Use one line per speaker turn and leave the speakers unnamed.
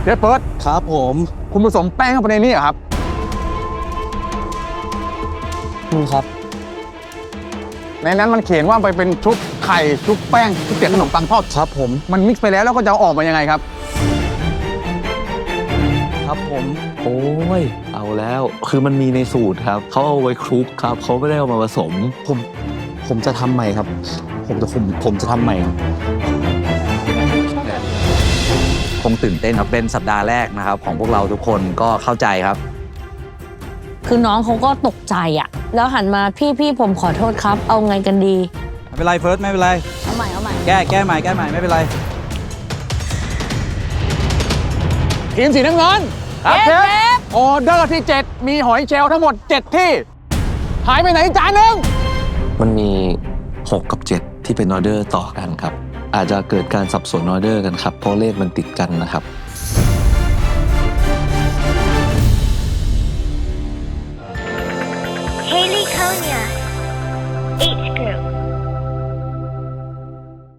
ชฟเฟิร์ส
ครับผม
คุณผสมแป้งเข้าไปในนี้เหรอครับ
นี่ครับ
ในนั้นมันเขียนว่าไปเป็นชุบไข่ชุบแป้งชุบเปียกขนมปังทอด
ครับผม
มันมิกซ์ไปแล้วก็จะเอาออกมายังไงครับ
ครับผม
โอ้ยเอาแล้วคือมันมีในสูตรครับเขาเอาไว้คลุกครับเขาไม่ได้เอามาผสม
ผมจะทำใหม่ครับ ผมจะทำใหม่ครับ
คงตื่นเต้นครับเป็นสัปดาห์แรกนะครับของพวกเราทุกคนก็เข้าใจครับ
คือน้องเขาก็ตกใจอะแล้วหันมาพี่ผมขอโทษครับ เอาไงกันดี
ไม่เป็นไรเฟิร์สไม่เป็นไร
เอาใหม่เอาใหม่
แก้ใหม่ไม่เป็นไร
ทีมสีน้ำเงิน
ครับเชฟ
ออเดอร์ที่ 7 มีหอยเชลล์ทั้งหมด 7 ที่ หายไปไหนจานหนึ่ง
มันมี 6 กับ 7 ที่เป็นออเดอร์ต่อกันครับ อาจจะเกิดการสับสนออเดอร์กันครับเพราะเลขมันติดกันนะครับ
Haley Konya, 8